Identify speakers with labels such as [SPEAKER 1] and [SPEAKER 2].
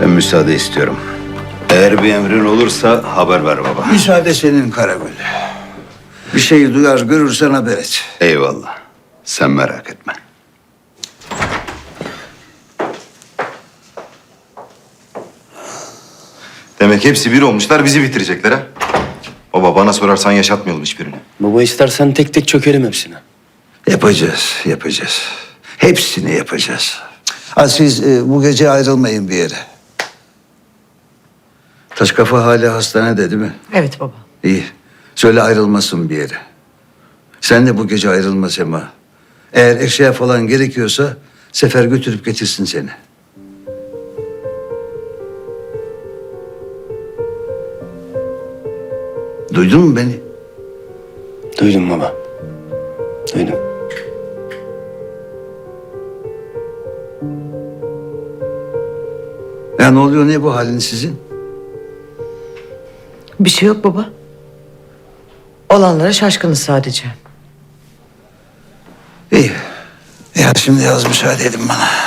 [SPEAKER 1] Ben müsaade istiyorum. Eğer bir emrin olursa haber ver baba.
[SPEAKER 2] Müsaade senin Karagül. Bir şey duyar görürsen haber et.
[SPEAKER 1] Eyvallah. Sen merak etme.
[SPEAKER 3] Demek hepsi bir olmuşlar, bizi bitirecekler ha. Baba bana sorarsan yaşatmayalım hiçbirini.
[SPEAKER 4] Baba istersen tek tek çökelim hepsine.
[SPEAKER 2] Yapacağız. Hepsini yapacağız. Ha, siz bu gece ayrılmayın bir yere. Taş kafa hala hastanede değil mi?
[SPEAKER 5] Evet baba.
[SPEAKER 2] İyi. Söyle ayrılmasın bir yere. Sen de bu gece ayrılma Sema. Eğer eşya falan gerekiyorsa Sefer götürüp getirsin seni. Duydun mu beni?
[SPEAKER 4] Duydum baba. Duydum.
[SPEAKER 2] Ya ne oluyor, ne bu halin sizin?
[SPEAKER 5] Bir şey yok baba. Olanlara şaşkınız sadece.
[SPEAKER 2] İyi. Ya şimdi yaz müsaade edin bana.